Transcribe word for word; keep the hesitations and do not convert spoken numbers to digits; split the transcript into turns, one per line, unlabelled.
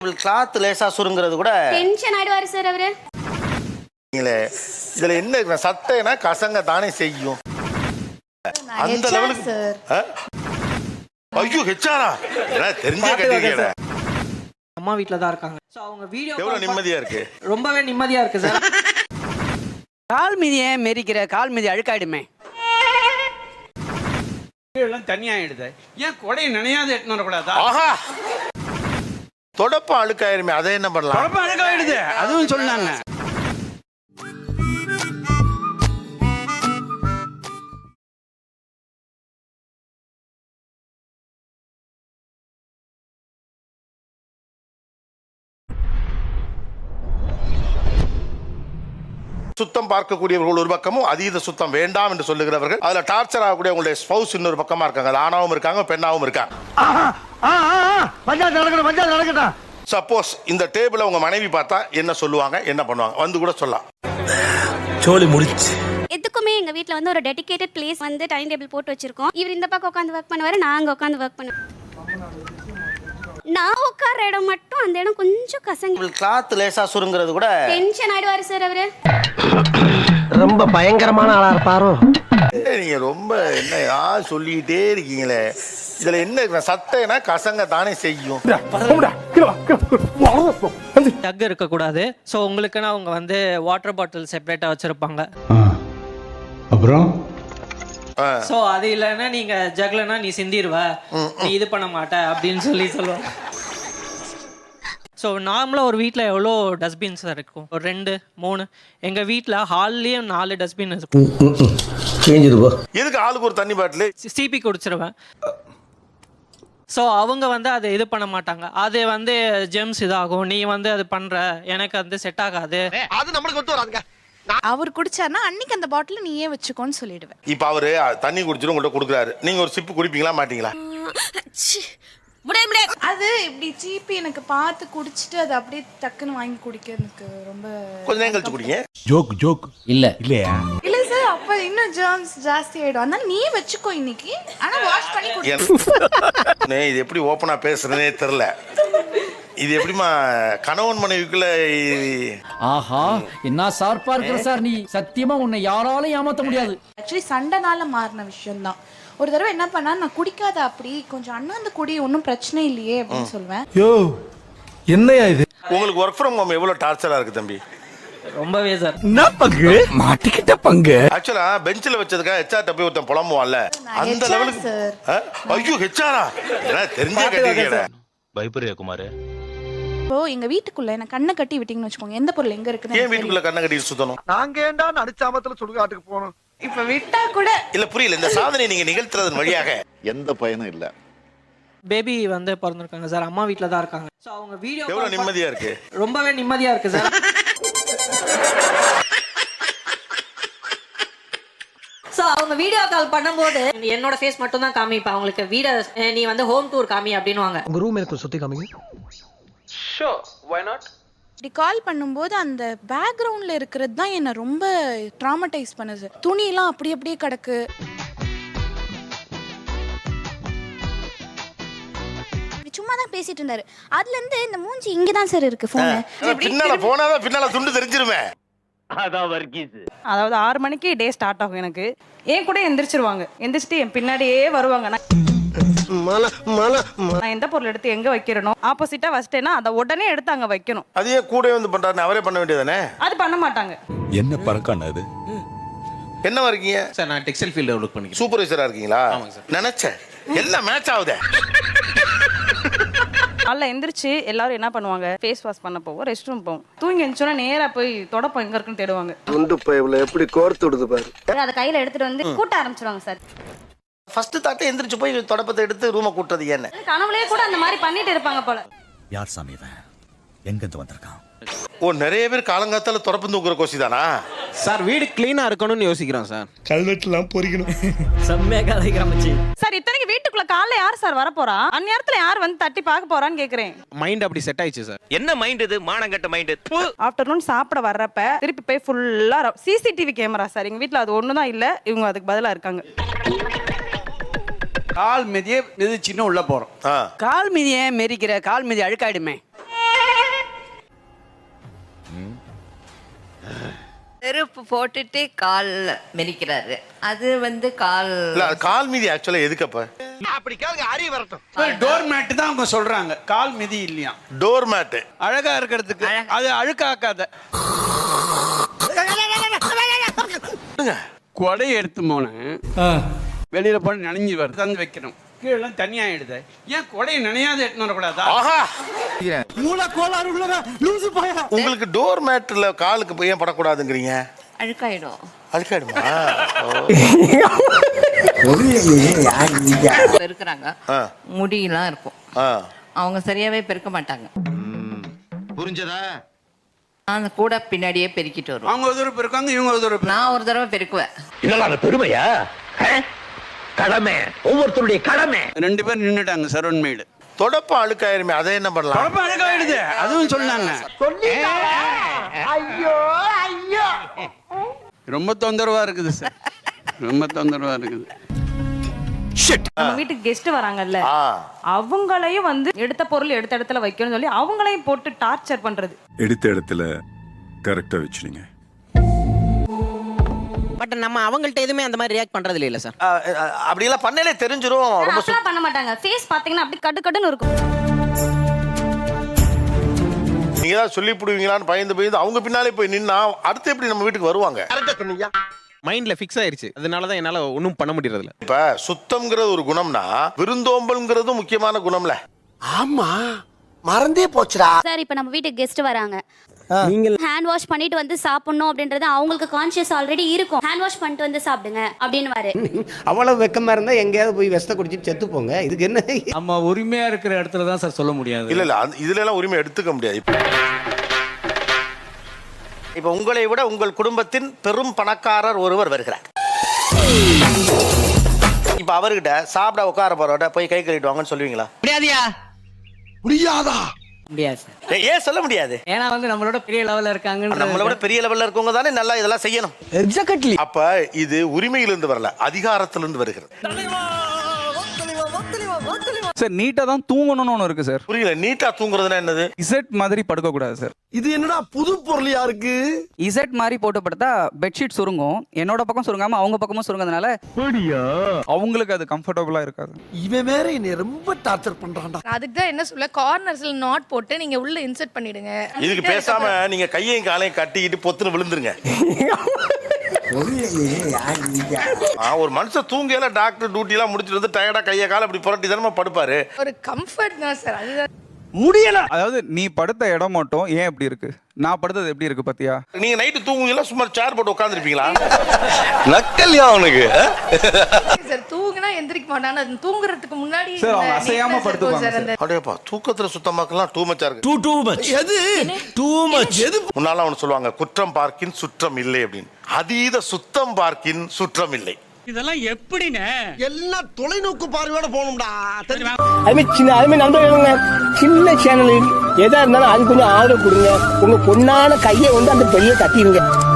Cloth லேசா சுருங்கிறது கூட
tension ஆயிடுவாரு sir அவரு.
இதுல என்ன சட்டைனா கசங்க தானே செய்யும் அந்த லெவலுக்கு. ஐயோ ஹெச்ஆரா தெரிஞ்சே கேட்டீங்க.
அம்மா வீட்ல தான் இருக்காங்க. சோ அவங்க வீடியோ
எவ்வளவு நிம்மதியா இருக்கு.
ரொம்பவே நிம்மதியா இருக்கு சார்.
கால் மிதியே மெரிக்கிற கால் மிதி அழுக்காயிடுமே.
எல்லாம் தனியாயிடுது. ஏன் கொடை நினையாத எட்டுன்னு வரக்கூடாதா?
ஆஹா தொடப்ப அழுக்காயிருமே அதை என்ன பண்ணலாம்?
தொடப்ப அழுக்காயிடுது அதுவும் சொன்னாங்க.
சுத்தம் பார்க்கக்கூடியவர்கள் ஒரு பக்கமும் அதீத சுத்தம் வேண்டாம் என்று சொல்லுகிறவர்கள், அதுல டார்ச்சர் ஆகக்கூடிய உங்களுடைய ஸ்பௌஸ் இன்னொரு பக்கமா இருக்காங்க. ஆணாவும் இருக்காங்க பெண்ணாவும் இருக்காங்க. சப்போஸ் இந்த டேபிள உங்க மனைவி பார்த்தா என்ன சொல்லுவாங்க, என்ன பண்ணுவாங்க? வந்து கூட சொல்லலாம்.
சோலி முடிச்சு.
எதுக்குமே எங்க வீட்ல வந்து ஒரு டெடிகேட்டட் பிளேஸ் வந்து டைனிங் டேபிள் போட்டு வச்சிருக்கோம். இவர் இந்த பக்கம் உட்காந்து ஒர்க் பண்ணுவாரு, நாங்க உட்காந்து ஒர்க் பண்ணுவோம். நான் உட்கார இடம் மட்டும் அந்த இடம் கொஞ்சம் கசங்க.
கிளாத் லேசா சுருங்கிறது கூட
டென்ஷன் ஆயிடுவாரு சார் அவரு.
ரொம்ப பயங்கரமான ஆளா இருப்பாரோ.
நீங்க ரொம்ப என்ன யார் சொல்லிட்டே இருக்கீங்களே. இதுல என்ன சட்டைனா கசங்க தானே செய்யும்.
டக் இருக்க கூடாது. சோ உங்களுக்குன்னா அவங்க வந்து வாட்டர் பாட்டில் செப்பரேட்டா வச்சிருப்பாங்க.
அப்புறம்
சோ அது இல்லைன்னா நீங்க ஜக்லனா நீ சிந்திடுவ, நீ இது பண்ண மாட்ட அப்படின்னு சொல்லி சொல்லுவாங்க. ஸோ நார்மலாக ஒரு வீட்டில் எவ்வளோ டஸ்ட்பின்ஸ் இருக்கும்? ஒரு ரெண்டு மூணு. எங்கள் வீட்டில் ஹால்லேயும் நாலு டஸ்ட்பின் இருக்கும்.
எதுக்கு ஆளுக்கு ஒரு தண்ணி பாட்டில்
சிபி குடிச்சிருவேன். ஸோ அவங்க வந்து அதை இது பண்ண மாட்டாங்க. அது வந்து ஜெம்ஸ் இதாகும், நீ வந்து அது பண்ணுற, எனக்கு வந்து செட் ஆகாது.
அது நம்மளுக்கு ஒத்து வராதுங்க.
அவர் குடிச்சாருன்னா அன்னைக்கு அந்த பாட்டில் நீயே வச்சுக்கோன்னு சொல்லிடுவேன்.
இப்போ அவரு தண்ணி குடிச்சிட்டு உங்கள்கிட்ட கொடுக்குறாரு, நீங்க ஒரு சிப்பு குடிப்பீங்களா மாட்டீங்களா?
அது இப்படி சீப்பி எனக்கு பார்த்து குடிச்சிட்டு அது அப்படியே டக்குன்னு வாங்கி குடிக்க எனக்கு ரொம்ப
கொஞ்ச நேரம் கழிச்சு குடிங்க.
ஜோக் ஜோக் இல்ல இல்லையா?
இல்ல சார், அப்ப இன்னும் ஜெர்ம்ஸ் ஜாஸ்தி ஆயிடும். அதனால நீ வச்சுக்கோ இன்னைக்கு, ஆனா வாஷ் பண்ணி குடி.
இது எப்படி ஓப்பனா பேசுறதுனே தெரியல. இது எப்படிமா கணவன் மனைவிக்குள்ள?
ஆஹா என்ன சார்பா இருக்கிற சார் நீ. சத்தியமா உன்னை யாராலும் ஏமாத்த முடியாது.
ஆக்சுவலி சண்டைனால மாறின விஷயம் தான். ஒரு தடவை என்ன பண்ணா, நான் குடிக்காத அப்படி கொஞ்சம் அண்ணாந்து குடி, ஒன்றும் பிரச்சனை இல்லையே அப்படின்னு சொல்லுவேன்.
யோ என்னையா இது?
உங்களுக்கு ஒர்க் ஃப்ரம் ஹோம் எவ்வளவு டார்ச்சரா இருக்கு தம்பி?
ரொம்பவே சார்.
என்ன பங்கு மாட்டிக்கிட்ட பங்கு.
ஆக்சுவலா பெஞ்சில வச்சதுக்கா ஹெச்ஆர் போய் ஒருத்தன் புலம்புவான்ல அந்த லெவலுக்கு. ஐயோ ஹெச்ஆரா தெரிஞ்சே கேட்டீங்க.
பயப்பரியா குமார்?
இப்போ எங்க வீட்டுக்குள்ள என்ன கண்ணை கட்டி விட்டீங்கன்னு வச்சுக்கோங்க, எந்த பொருள் எங்க இருக்குன்னு.
ஏன் வீட்டுக்குள்ள கண்ணை கட்டி சுத்தணும்?
நாங்க ஏண்டா நடிச்சாமத்துல சுடுகாட்டுக்கு போனோம்.
இப்ப விட்டா கூட
இல்ல புரியல. இந்த சாதனை நீங்க நிகழ்த்துறதன் வழியாக
எந்த பயனும் இல்ல.
பேபி வந்து பிறந்திருக்காங்க சார், அம்மா வீட்ல தான் இருக்காங்க. ஸோ அவங்க வீடியோ
எவ்வளவு நிம்மதியா இருக்கு.
ரொம்பவே நிம்மதியா இருக்கு சார். ஸோ அவங்க வீடியோ கால் பண்ணும்போது என்னோட ஃபேஸ் மட்டும் தான் காமிப்பேன் அவங்களுக்கு. வீட நீ வந்து ஹோம் டூர் காமி அப்படின்னுவாங்க.
உங்க ரூம் எனக்கு சுத்தி காமிங்க.
So why not.
இப்படி கால் பண்ணும்போது அந்த பேக்ரவுண்ட்ல இருக்கிறது தான் என்ன ரொம்ப ட்ராமடைஸ் பண்ணுது. துணியெல்லாம் அப்படி அப்படியே கிடக்கு.
சும்மா தான் பேசிட்டு இருந்தாரு. அதுல இருந்து இந்த மூஞ்சி இங்க தான் சார் இருக்கு போன்.
பின்னால போனாதான் பின்னால துண்டு தெரிஞ்சிருமே.
அதாவது ஆறு மணிக்கு டே ஸ்டார்ட் ஆகும் எனக்கு. ஏன் கூட எந்திரிச்சிருவாங்க, எந்திரிச்சிட்டு என் பின்னாடியே வருவாங்க. நான் எந்த பொருள் எடுத்து எங்க வைக்கிறனோ ஆப்போசிட்டா வச்சிட்டேன்னா அதை உடனே எடுத்து அங்க வைக்கணும்.
அதையே கூட வந்து பண்றாரு, அவரே பண்ண வேண்டியதானே?
அது பண்ண மாட்டாங்க.
என்ன பறக்கான அது?
என்னவா இருக்கீங்க
சார்? நான் டெக்ஸ்டைல் ஃபீல்ட்ல ஒர்க் பண்ணிக்கிறேன்.
சூப்பர்வைசரா இருக்கீங்களா?
ஆமாங்க சார்.
நினைச்சேன் எல்லாம் மேட்ச் ஆகுதே.
காலைல எந்திரிச்சு எல்லாரும் என்ன பண்ணுவாங்க, ஃபேஸ் வாஷ் பண்ண போவோம், ரெஸ்ட் ரூம் போவோம். தூங்கி எந்திரிச்சோன்னா நேரா போய் தொடப்பம் எங்க இருக்குன்னு தேடுவாங்க.
துண்டு பைப்ல எப்படி கோர்த்து விடுது பாரு.
அதை கையில எடுத்துட்டு வந்து கூட்ட ஆரம்பிச்சிருவாங்க சார்.
ஃபர்ஸ்ட் தாத்தே எந்திரிச்சு போய் தொடப்பத்தை எடுத்து ரூமை கூட்டுறது என்ன?
கனவுலயே கூட அந்த மாதிரி பண்ணிட்டு இருப்பாங்க போல.
யார் சாமி இவன்? எங்க இருந்து வந்திருக்கான்?
ஓ நிறைய பேர் காலங்காத்தால தொடப்பு தூக்குற கோசி தானா
சார்? வீடு கிளீனா இருக்கணும்னு யோசிக்கிறோம் சார்.
கல்வெட்டுலாம் பொறிக்கணும்.
செம்மையா கதைக்கிற மச்சி.
சார் இத்தனைக்கு வீட்டுக்குள்ள காலைல யார் சார் வர போறா? அந்நேரத்துல யார் வந்து தட்டி பார்க்க போறான்னு கேக்குறேன்.
மைண்ட் அப்படி செட் ஆயிடுச்சு சார்.
என்ன மைண்ட் இது? மானங்கட்ட மைண்ட்.
ஆஃப்டர்நூன் சாப்பிட வர்றப்ப திருப்பி போய் ஃபுல்லா சிசிடிவி கேமரா சார். எங்க வீட்டுல அது ஒண்ணுதான் இல்ல, இவங்க அதுக்கு பதிலா இருக்காங்க.
கால் மிதியே மிதிச்சின்னு உள்ள போறோம்.
கால் மிதியே மெரிக்கிற கால் மிதி அழுக்காயிடுமே.
செருப்பு போட்டுட்டு கால் மெரிக்கிறாரு, அது வந்து கால்
இல்ல அது கால் மீதி ஆக்சுவலா எதுக்கு அப்ப
அப்படி கேளுங்க, அறிய வரட்டும்.
டோர் மேட் தான் அவங்க சொல்றாங்க, கால் மிதி இல்லையா.
டோர் மேட்டு
அழகா இருக்கிறதுக்கு, அது அழுக்காக்காத. கொடையை எடுத்து போனேன், வெளியில போன நனைஞ்சு வருது, தந்து வைக்கணும், கீழே தனியா ஆயிடுது. ஏன் கொடையை நினையாத எடுத்து வரக்கூடாதா?
ஆஹா
மூளை கோளாறு உள்ளவங்க லூசு பையா.
உங்களுக்கு டோர் மேட்ல காலுக்கு போய் ஏன் படக்கூடாதுங்கிறீங்க?
அழுக்காயிடும்.
அழுக்காயிடுமா?
பெருக்குறாங்க, முடியெல்லாம் இருக்கும், அவங்க சரியாவே பெருக்க மாட்டாங்க.
புரிஞ்சதா?
அந்த கூட பின்னாடியே பெருக்கிட்டு வருவோம்.
அவங்க ஒரு தடவை பெருக்காங்க, இவங்க ஒரு தடவை.
நான் ஒரு தடவை பெருக்குவேன்.
இதெல்லாம் அந்த பெருமையா? கடமை, ஒவ்வொருத்தருடைய கடமை.
ரெண்டு பேரும் நின்னுட்டாங்க சரவண் மேடு.
தொடப்ப அழுக்காயிருமே, அதை என்ன பண்ணலாம்?
தொடப்ப அழுக்காயிடுது, அதுவும் சொன்னாங்க.
ஐயோ ஐயோ,
ரொம்ப தொந்தரவா இருக்குது சார், ரொம்ப தொந்தரவா இருக்குது.
நம்ம வீட்டுக்கு கெஸ்ட் வராங்கல்ல, அவங்களையும் வந்து எடுத்த பொருள் எடுத்த இடத்துல வைக்கணும்னு சொல்லி அவங்களையும் போட்டு டார்ச்சர் பண்றது.
எடுத்த இடத்துல கரெக்டா வச்சுடுங்க.
பட் நம்ம அவங்கள்ட்ட எதுவுமே அந்த மாதிரி ரியாக்ட் பண்றது இல்ல சார்.
அப்படியெல்லாம் பண்ணலே தெரிஞ்சிரும். ரொம்ப
அப்படிலாம் பண்ண மாட்டாங்க. ஃபேஸ் பாத்தீங்கன்னா அப்படி கடு கடுன்னு இருக்கும்.
நீங்க ஏதாவது சொல்லி புடுவீங்களான்னு பயந்து பயந்து அவங்க பின்னாலே போய் நின்னா அடுத்து எப்படி நம்ம வீட்டுக்கு வருவாங்க?
மைண்ட்ல ஃபிக்ஸ் ஆயிருச்சு, அதனால தான் என்னால ஒன்றும் பண்ண முடியறது இல்ல.
இப்ப சுத்தம்ங்கிறது ஒரு குணம்னா விருந்தோம்பல்ங்கிறது முக்கியமான குணம்ல.
ஆமா மறந்தே போச்சுடா
சார், இப்போ நம்ம வீட்டுக்கு கெஸ்ட் வராங்க, நீங்க ஹேண்ட் வாஷ் பண்ணிட்டு வந்து சாப்பிடணும் அப்படின்றது அவங்களுக்கு கான்ஷியஸ் ஆல்ரெடி இருக்கும். ஹேண்ட் வாஷ் பண்ணிட்டு வந்து சாப்பிடுங்க அப்படின்னு வாரு.
அவ்வளவு வெக்கமா இருந்தா எங்கேயாவது போய் வெஸ்ட குடிச்சிட்டு செத்து போங்க. இதுக்கு என்ன?
நம்ம உரிமையா இருக்கிற இடத்துல தான் சார் சொல்ல முடியாது.
இல்ல இல்ல இதுல எல்லாம் உரிமை எடுத்துக்க முடியாது. இப்ப உங்களை விட உங்கள் குடும்பத்தின் பெரும் பணக்காரர் ஒருவர் வருகிறார். இப்ப அவர்கிட்ட சாப்பிட உட்கார போறவட்ட போய் கை கழுவிட்டு வாங்கன்னு சொல்லுவீங்களா?
முடியாதியா?
முடியாதா?
முடியாது சார்.
ஏன் சொல்ல முடியாது?
ஏன்னா வந்து நம்மளோட பெரிய லெவல்ல இருக்காங்க.
நம்மளை விட பெரிய லெவல்ல இருக்கவங்க தானே நல்லா இதெல்லாம் செய்யணும்.
எக்ஸாக்ட்லி.
அப்ப இது உரிமையிலிருந்து வரல, அதிகாரத்திலிருந்து வருகிறது.
சார் நீட்டா தான் தூங்கணும்னு ஒன்று இருக்கு சார்.
புரியல, நீட்டா தூங்குறதுன்னா என்னது?
இசட் மாதிரி படுக்க கூடாது சார்.
இது என்னடா புது பொருளியா இருக்கு?
இசட் மாதிரி போட்டு படுத்தா பெட்ஷீட் சுருங்கும், என்னோட பக்கம் சுருங்காம அவங்க பக்கமும் சுருங்கிறதுனால
அவங்களுக்கு அது கம்ஃபர்டபுளா இருக்காது.
இவன் வேற என்ன ரொம்ப டார்ச்சர் பண்றான்டா.
அதுக்கு தான் என்ன சொல்ல, கார்னர்ஸ்ல நாட் போட்டு நீங்க உள்ள இன்சர்ட் பண்ணிடுங்க.
இதுக்கு பேசாம நீங்க கையையும் காலையும் கட்டிக்கிட்டு பொத்துன்னு விழுந்துருங்க. ஒரு மனுஷன் தூங்கல, டாக்டர் டியூட்டி எல்லாம் முடிச்சிட்டு வந்து டயர்டா கையை கால அப்படி புரட்டி தானே படுப்பாரு.
ஒரு கம்ஃபர்ட் தான் சார், அதுதான்.
முடியல.
அதாவது நீ படுத்த இடம் மட்டும் ஏன் எப்படி இருக்கு, நான் படுத்தது எப்படி இருக்கு பாத்தியா?
நீங்க நைட்டு தூங்குவீங்களா, சும்மா சேர் போட்டு உட்கார்ந்திருப்பீங்களா?
நக்கல்யா அவனுக்கு.
சார் தூங்குனா எந்திரிக்க மாட்டாங்க, அது தூங்குறதுக்கு முன்னாடி
சார் அவங்க அசையாம படுத்துவாங்க சார்.
அடேப்பா, தூக்கத்துல சுத்தமாக்கலாம் டூ மச்சா இருக்கு.
Too too much.
எது டூ மச்? எது?
முன்னால அவன் சொல்லுவாங்க, குற்றம் பார்க்கின் சுற்றம் இல்லை அப்படின்னு. அதீத சுத்தம் பார்க்கின் சுற்றம் இல்லை.
இதெல்லாம் எப்படின்னு
எல்லாம் தொலைநோக்கு பார்வையோட போகணும்டா.
அதுமே சின்ன அதுமே நண்பர்களுங்க, சின்ன சேனல் எதா இருந்தாலும் அது கொஞ்சம் ஆதரவு கொடுங்க. உங்க பொண்ணான கையை வந்து அந்த பெரிய தட்டிடுங்க.